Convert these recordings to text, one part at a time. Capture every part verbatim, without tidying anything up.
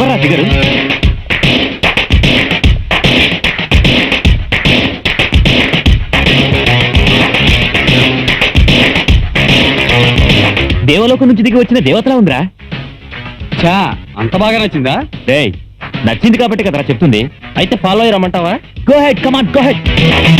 ఎవరా ఫిగరు? దేవలోకం నుంచి దిగి వచ్చిన దేవతలా ఉందిరా. చా అంత బాగా నచ్చిందా? డేయ్, నచ్చింది కాబట్టి కదరా చెప్తుంది. అయితే ఫాలో అయ్యి రమ్మంటావా? Go ahead, come on, go ahead.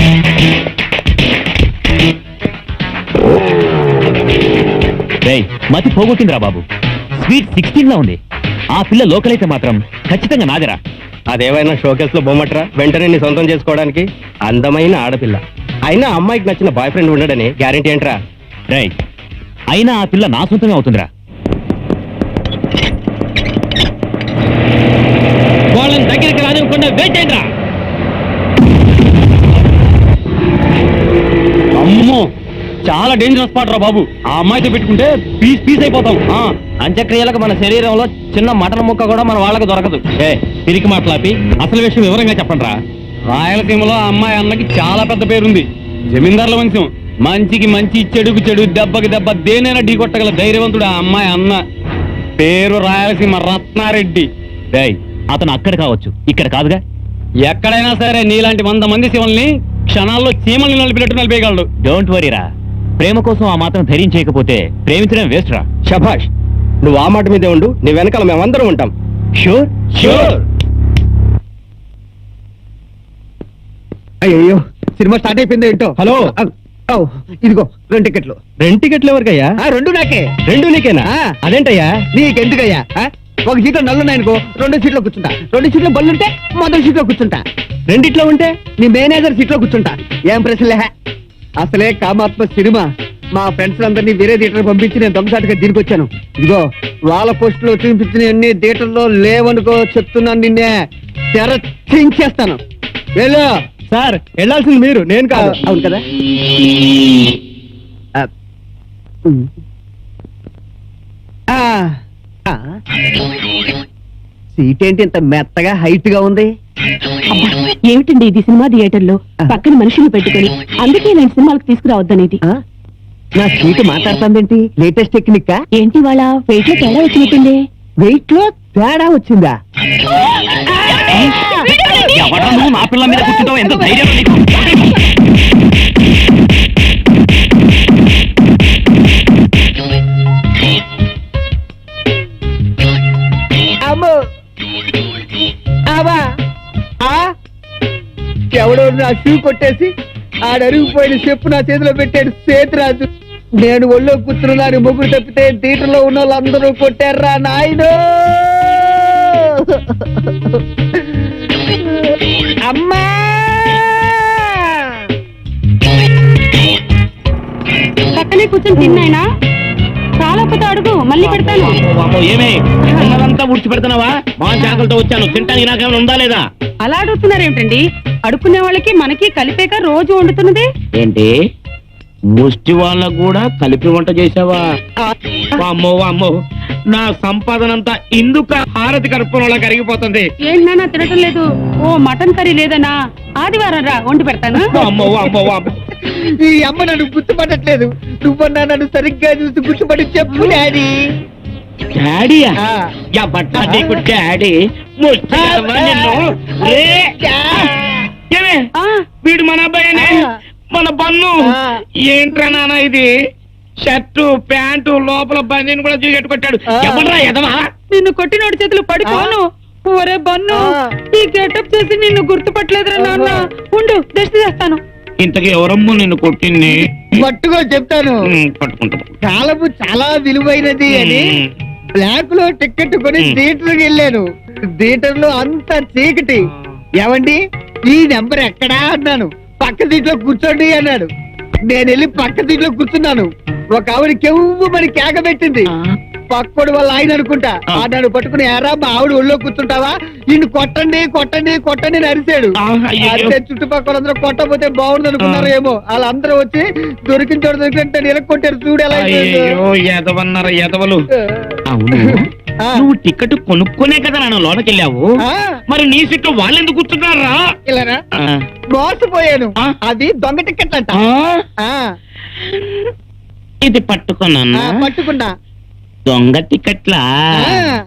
డేయ్, మతి పోగొట్టిందిరా బాబు. స్వీట్ సిక్స్టీన్ లా ఉంది. ఆ పిల్ల లోకల్ అయితే మాత్రం ఖచ్చితంగా నాదిరా. అదేమైనా షోకేస్ లో బొమ్మట్రా వెంటనే నీ సొంతం చేసుకోవడానికి. అందమైన ఆడపిల్ల అయినా అమ్మాయికి నచ్చిన బాయ్ ఫ్రెండ్ ఉండడని గ్యారెంటీ ఏంట్రా? రేయ్, అయినా ఆ పిల్ల నా సొంతమే అవుతుందిరా. వాళ్ళని దగ్గరికి రానివ్వకుండా వెయిట్ అయ్యిండ్రా. అమ్మో, చాలా డేంజరస్ స్పాట్ రా బాబు. ఆ అమ్మాయితో పెట్టుకుంటే పీస్ పీస్ అయిపోతాం. అంత్యక్రియలకు మన శరీరంలో చిన్న మటన్ ముక్క కూడా మన వాళ్ళకి దొరకదు. ఏ తిరిగి మాట్లాపి అసలు విషయం వివరంగా చెప్పండి రా. రాయలసీమలో ఆ అమ్మాయి అన్నకి చాలా పెద్ద పేరుంది. జమీందారుల వంశం. మంచికి మంచి, చెడుకు చెడు, దెబ్బకి దెబ్బ దేనైనా ఢీ కొట్టగల ధైర్యవంతుడు ఆ అమ్మాయి అన్న. పేరు రాయలసీమ రత్నారెడ్డి. డేయ్, అతను అక్కడ కావచ్చు, ఇక్కడ కాదుగా. ఎక్కడైనా సరే నీలాంటి వంద మంది శివల్ని క్షణాల్లో చీమల్ని నలిపినట్టు నలిపేయగలడు. డోంట్ వరీరా. ప్రేమ కోసం ఆ మాత్రం ధైర్యం చేయకపోతే ప్రేమించడం వేస్ట్ రా. శభాష్, నువ్వు ఆ మాట మీదే ఉండు. నీ వెనకాల మేమందరం ఉంటాం. Sure sure. అయ్యో, సినిమా స్టార్ట్ అయిపోయింది ఏంటో. హలో, ఇదిగో రెండు టికెట్లు. రెండు టికెట్లు ఎవరికయ్యా? ఆ, రెండు నాకే. రెండు నీకేనా? ఆ. అదేంటయ్యా? నీకెందుకయ్యా? ఆ? ఒక సీట్లో నల్లున్నాయనుకో, రెండు సీట్లో కూర్చుంటా. రెండు సీట్లో బల్లుంటే మొదటి సీట్లో కూర్చుంటా. రెండిట్లో ఉంటే నీ మేనేజర్ సీట్లో కూర్చుంటా. ఏం ప్రశ్నలే. అసలే కామాత్మ సినిమా. మా ఫ్రెండ్స్ అందరినీ వేరే థియేటర్ పంపించి నేను దొంగసాటుగా దీనికి వచ్చాను. ఇదిగో వాళ్ళ పోస్టులో చూపించిన అన్ని థియేటర్లో లేవనుకో, చెప్తున్నాను. నిన్నే తెర చించేస్తాను. వెళ్ళు. సార్, వెళ్ళాల్సింది మీరు, నేను కాదు. అవును కదా. ఆ. ఉమ్. ఆ. ఆ. సీట్ ఏంటి ఇంత మెత్తగా హైట్ గా ఉంది? ఏమిటండి ఇది సినిమా థియేటర్ లో పక్కన మనుషులు పెట్టుకుని, అందుకే నేను సినిమాలకు తీసుకురావద్దనేది. ఆ? నా సీటు మాట్లాడుతుందేంటి? Latest technique. ఏంటి వాళ్ళ వెయిట్ లో తేడా వచ్చినట్టుంది. వెయిట్ లో తేడా వచ్చిందా? ఎవడ్రా నువ్వు నా పిల్ల మీద కూర్చుంటావు? ఎంత ధైర్యం నీకు? అమ్మో, ఆవా, ఆ? ఎవడో నా షూ కొట్టేసి ఆడరిగిపోయిన చెప్పు నా చేతిలో పెట్టాడు సేతురాజు. నేను ఒళ్ళో కూర్చున్నాను, ముగ్గురు తప్పితే థియేటర్లో ఉన్న వాళ్ళందరూ కొట్టారా నాయనో. అమ్మా, పక్కనే కూర్చొని తిన్నాయినా. చాలకపోతే అడుగు, మళ్ళీ పెడతాను. ఏమే ఉన్నదంతా ఊడ్చి పెడుతున్నావా? మా జాగ్రత్తతో వచ్చాను, తింటానికి నాకేమైనా ఉందా లేదా? అలా అడుగుతున్నారేమిటండి? అడుక్కునే వాళ్ళకి మనకి కలిపేక రోజు వండుతున్నది ఏంటి, ముష్టి వాళ్ళకు కూడా కలిపి వంట చేసావా? అమ్మో అమ్మో, నా సంపాదనంతా ఇందుక హారతి కర్పూరంలా కరిగిపోతుంది. ఏంటి నాన్న తినటం లేదు? ఓ మటన్ కర్రీ లేదనా? ఆదివారం రా, వండి పెడతాను. అమ్మో అమ్మో అమ్మో. ఈ అమ్మ నన్ను గుర్తుపట్టట్లేదు. నువ్వన్నా నన్ను సరిగ్గా చూసి గుర్తుపడి చెప్పు డాడీ. డాడీయా? ఆ. యా బట్టా నీకు డాడీ. ముష్టి కదవా నిన్ను? రే. ఏమే, ఆ, వీడు మన అబ్బాయినే, మన బన్ను. ఆ. ఏంట్రా నాన్న ఇది? షర్టు ప్యాంటు లోపల బందీని కూడా చూపెట్టుకొట్టాడు. ఆ. ఎవడ్రా ఎదవా? నిన్ను కొట్టినోడి చేతులు పడిపోను. ఒరే బన్ను, ఆ. ఈ గెటప్ చేసి నిన్ను గుర్తుపట్టలేదురా నాన్న. ఉండు, దృష్టి చేస్తాను. ఇంతకీ ఎవరమ్మో నిన్ను కొట్టింది? పట్టుకో చెప్తాను. ఉమ్, పట్టుకుంటా. కాలము చాలా విలువైనది అని బ్లాక్ లో టికెట్ కొని మ్. థియేటర్కి వెళ్ళాను. థియేటర్ లో అంత చీకటి. ఏమండి, ఈ నెంబర్ ఎక్కడా అన్నాను. పక్క సీట్లో కూర్చోండి అన్నాడు. నేను వెళ్ళి పక్క సీట్లో కూర్చున్నాను. ఒక ఆవిడ కెవ్వు మరి కేక పెట్టింది. పక్కోడు వాళ్ళ ఆయన అనుకుంటా. ఆ. ఆ నన్ను పట్టుకుని ఎరా మా ఆవిడ ఒళ్ళో కూర్చుంటావా, ఇన్ని కొట్టండి కొట్టండి కొట్టండి అని అరిశాడు. ఆ, అయ్యయ్యో. అంటే చుట్టుపక్కల అందరూ కొట్టపోతే బాగుంది అనుకున్నారు ఏమో. వాళ్ళందరూ వచ్చి దొరికిన చోట దొరికినట్టు నిలకొట్టారు. చూడు ఎలా అయిపోయిందో. అయ్యో, ఎదవన్నారు ఎదవలు. అవును, ఆ. నువ్వు టికెట్ కొనుక్కునే కదా నన్ను లోనకెళ్ళావు. ఆ, మరి నీ సీట్లో వాళ్ళు ఎందుకు కూర్చున్నారా? ఇలానా? మోసపోయాను. ఆ. అది దొంగ టికెట్ అంట. ఆ, ఇది పట్టుకున్నా ఆ, పట్టుకున్నా. దొంగ టికెట్లా? ఆ.